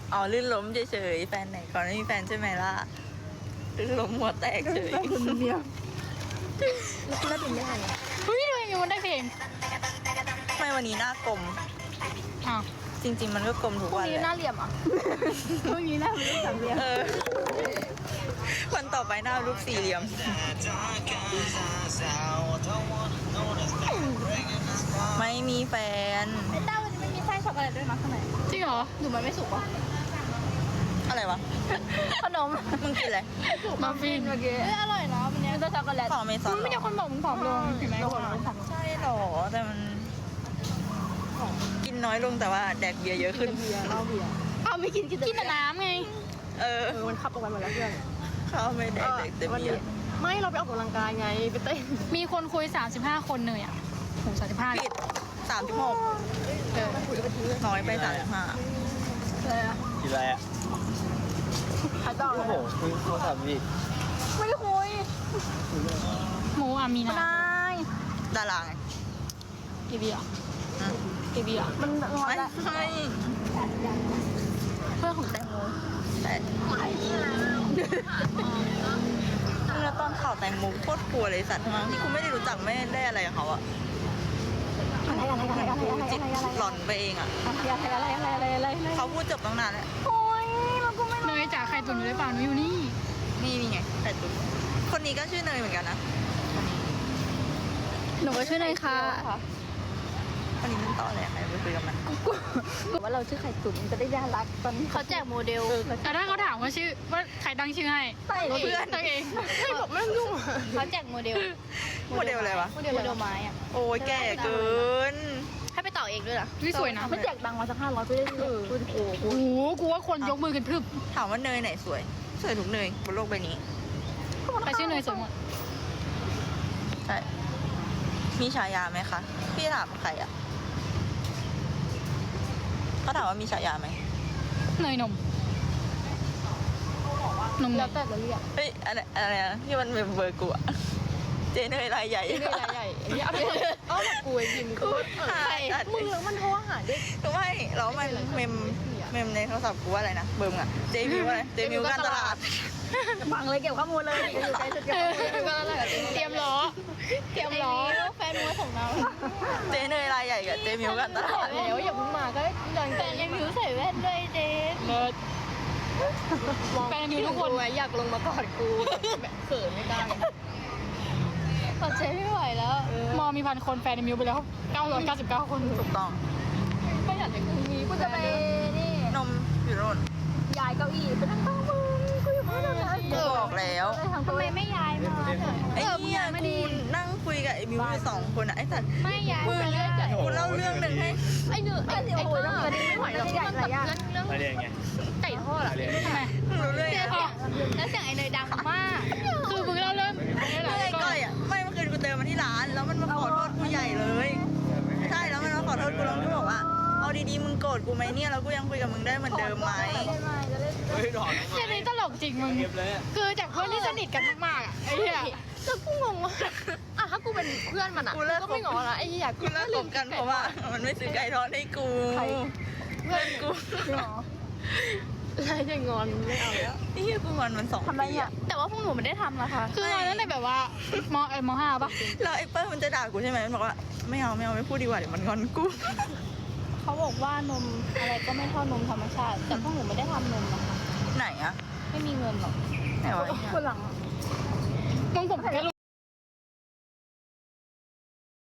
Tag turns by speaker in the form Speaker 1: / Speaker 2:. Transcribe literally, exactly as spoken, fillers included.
Speaker 1: อ๋อลื่นล้มเฉยๆแฟนไหนก่อนไม่มีแฟนใช่ไหมล่ะลื่นล้มหัวแตกเฉย
Speaker 2: คนเดียวแล้วคุณได้เป็นยังไงอ่ะ
Speaker 3: เฮ้ยทำไมมันได้เพลง
Speaker 1: ทำไมวันนี้หน้ากลม
Speaker 3: อ้าว
Speaker 1: จริง ๆ มันก็กลมทุก
Speaker 3: พรุ่ง
Speaker 1: วัน
Speaker 3: นี้
Speaker 1: แห
Speaker 3: หน้า
Speaker 1: ละ
Speaker 3: เหลี่ยมอ่ะ
Speaker 2: พวกนี้น่าเป็นสามเหลี่ยม
Speaker 1: เออวันต่อไปหน้ารูปสี่เหลี่ยม ไม่มีแฟน
Speaker 2: ไอ้เต้าวันนี้ไม่มีไส้ช็อกโกแลตด้วยนะข้างใน
Speaker 3: จริงเหรอ
Speaker 2: หรือมันไม่สุกวะ
Speaker 1: อะไรวะ
Speaker 2: ขนม
Speaker 1: มึงกินอะไร
Speaker 3: มาฟิน
Speaker 2: เมื่อกี้เอ้ยอร่อยนะวันนี้ก็ช็อกโกแลต
Speaker 1: ของอเมซอน
Speaker 3: ไม่
Speaker 1: เหร
Speaker 3: มี
Speaker 1: อ
Speaker 3: คนบอกมึงผอมลงเห็นไหม
Speaker 2: เรา
Speaker 3: ว่า
Speaker 2: เราสั่ง
Speaker 1: ใช่เหรอแต่มันกินน้อยลงแต่ว่าแดกเบียร์เยอะขึ้น
Speaker 2: เบียร์เหล้าเบียร์อ้าวไม่กินกิน
Speaker 3: กินแต่น้ำไง
Speaker 1: เออ
Speaker 2: เออมันขับออกไปหมดแล้วเพื่อน
Speaker 1: เขาไม่แดกแดกแต่
Speaker 2: วัน
Speaker 1: เบีย
Speaker 2: นี้
Speaker 1: ร์
Speaker 2: ไม่เราไปออกกำลังกายไงไปเต้น
Speaker 3: มีคนคุยสามสิบห้าคนเลยอ่ะโหสามสิบห้า
Speaker 1: ผิดสามสิบหก
Speaker 2: เออคุยไปทีเลย
Speaker 1: น้อยไปสามสิบห้า
Speaker 2: เลยอะ
Speaker 4: กินอะไรอ่ะ
Speaker 2: ขายต่อ
Speaker 4: โอ้โหคุยโทรศัพท์อีก
Speaker 2: ไม่ได้คุย
Speaker 3: หมูอามีนา
Speaker 2: นาย
Speaker 1: ดาราไง
Speaker 3: กี่บีอ่ะ
Speaker 1: อืม
Speaker 3: กี่บีอ่ะ
Speaker 2: มันงอน
Speaker 1: ไม่
Speaker 2: แล้ว
Speaker 1: ใช่
Speaker 3: เพื่อนของแตงโม
Speaker 1: แต่เมื่อตอนข่าวแตงโมโคตรกลัวเลยสัตว์ทั้งที่กูไม่ได้รู้จักไม่ได้อะไรกับเขาอะ
Speaker 2: อะไรอะไรอะไรอะไรอะไร
Speaker 1: จิต
Speaker 2: อะไรอะไร
Speaker 1: หลอนไปเองอะ
Speaker 2: อะไรอะไรอะไรอะไรอะไรอะไร
Speaker 1: เขาพูดจบตั้งนานแล้ว
Speaker 2: โอ้ยเราก็ไม่
Speaker 3: เนยจ่าใครตุ่นอยู่หรือเปล่าหนูอยู่นี่
Speaker 1: นี่นี่ไงไข่ตุ๋นคนนี้ก็ชื่อเนยเหมือนกันนะ
Speaker 2: หนูก็ชื่อเนยค่ะ
Speaker 1: คนนี้มันต่ออะไรใครไปคุยกับมัน
Speaker 2: ว่าเราชื่อไข่ตุ๋นมันจะได้น่ารักตอนนี้เขาแจกโมเดล
Speaker 3: แต่ถ้าเขาถามว่าชื่อว่าใครตั้งชื่อให้
Speaker 2: ใช่
Speaker 3: เพื่อนตัวเอง
Speaker 2: ไม่บอกไม่ต้องยุ่งเขาแจกโมเดล
Speaker 1: โมเดลอะไรวะ
Speaker 2: โมเดลโมเดลไม้อะ
Speaker 1: โอ้ยแก่เกิน
Speaker 2: ให้ไปต่อเองด้วยนะ
Speaker 3: วิสวยนะ
Speaker 2: เขาแจกตังค์มาสักห้าร้อยไปได้เลยคุณโอ้โห
Speaker 3: โอ้โหกูว่าคนยกมือกันพรึบ
Speaker 1: ถามว่าเนยไหนสวย สวยทุกเนยบนโลกใบนี้
Speaker 3: ใครชื่อเนยสวยหมด
Speaker 1: ใช่ มีฉายาไหมคะ พี่ถามใครอะเขาถามว่ามีฉายาไหม
Speaker 3: เนยนมนมเน
Speaker 2: แล้ว
Speaker 3: ย
Speaker 2: แต่เราเรียก
Speaker 1: เฮ้ยอะไรอะไรนะที่มันเป็นเบอร์กูอะเจเนยรายใหญ่
Speaker 2: นี่รายใหญ่นี่เอาไปเอาแบบกูไอ้ยิมกู
Speaker 1: ใช่
Speaker 2: มึงแล้วมันโทรหาเด็ก
Speaker 1: ไม่แล้วมันเมมเมมในโทรศัพท์กูว่าอะไรนะเบอร์มอะเจมิวอะไรเจมิวการตลาด
Speaker 2: ฟังเลยเก็บข้อมูลเลยอยู่ใกล้สุดเก็บข้อมูลเลย
Speaker 3: เตรียมล้อ เตรียมล้อ
Speaker 2: แฟนมัวของเรา
Speaker 1: เจเนยรายใหญ่กับเจมิวการตลาด
Speaker 2: แล้วอย่าเพิ่งมาก็ยังแต่ยังมิวใส่แว่นด้วยเจน
Speaker 3: เลิศแฟนมีทุกคน
Speaker 2: อยากลงมากอดกูแบบเขินไม่ได้กอดเจไม่ไหวแล้ว
Speaker 3: มอมีพันคนแฟนในมิวไปแล้วเก้าร้อยเก้าสิบเก้าคน
Speaker 1: ถูกต้อง
Speaker 2: ไม่อยากให้กูมีกูจะไปนี่
Speaker 1: นมอยู่โน่น
Speaker 2: ย้ายเก้าอี้ไปนั่งโต๊ะมึงกูอยู่บ้านแล้ว
Speaker 1: กูบอกแล้ว
Speaker 2: ทำไมไม่ย้ายมา
Speaker 1: ไอ้เนี่ยกูนั่งคุยกับไอ้มิวอยู่สองคนอะไอ้สัตว์
Speaker 2: ไม่ย้าย
Speaker 1: มึง
Speaker 2: ไปเลย
Speaker 1: กูเล่าเรื่องหนึ่งให้
Speaker 2: ไอ้เนื้อไอ้ไอ้ตัวนั้นไม่ไหวหรอกมันแบบเรื่อง
Speaker 4: อะไรอย่างเงี้ย
Speaker 2: ไก่ทอดอะ
Speaker 4: อะไรอย่างเงี้ย
Speaker 3: ทำไม
Speaker 1: มึงรู้เรื่อง
Speaker 2: เสีย
Speaker 1: อะ
Speaker 2: งแล้วเสียงไอ้เนยดังมาก
Speaker 3: คือมึงเล่าเรื่อง
Speaker 1: เรื่องไอ้ก้อยอะไม่เมื่อคืนกูเจอมันที่ร้าน แล้วมันมาขอโทษกูใหญ่เลย ใช่แล้วมันมาขอโทษกูแล้วกูบอกว่าเอาดีๆมึงโกรธกูไหมเนี่ยแล้วกูยังคุยกับมึงได้เหมือนเดิมไหม
Speaker 4: เฮ้ยหลอน
Speaker 3: เรื่องนี้ตลกจริงมึง
Speaker 4: เก็บเลยอะ
Speaker 3: คือจากเพื่อนที่สนิทกันมากๆอ่ะไอ้เหี้ย
Speaker 2: แล้วกูงงว่าอ่ะถ้ากูเป็นเพื่อนมันอ่ะ
Speaker 1: กูเลิก
Speaker 2: ก็ไม่งอละไอ้อยาก
Speaker 1: กูเลิกคบกันเพราะว่ามันไม่ซื้อไก่ทอดให้กู เพื่อนกู
Speaker 2: อะไรจะงอนไม่เอาแล้ว
Speaker 1: นี่เฮียกูงอนมันสองปีอะ
Speaker 2: แต่ว่าพวกหนูไม่ได้ทำนะคะ
Speaker 3: คือตอนนั้นในแบบว่ามเออมห้าปะ
Speaker 1: แล้วไอ้เปิ้ลมันจะด่ากูใช่ไหมมันบอกว่าไม่เอาไม่เอาไม่พูดดีกว่าเดี๋ยวมันงอนกู
Speaker 2: เขาบอกว่านมอะไรก็ไม่เท่านมธรรมชาติ แต่พวกหนูไม่ได้ทำนมนะคะ
Speaker 1: ไหนอะ
Speaker 2: ไม่มีเงินหรอก
Speaker 1: ไหนวะ
Speaker 2: คนหลัง
Speaker 3: มึงผมแค่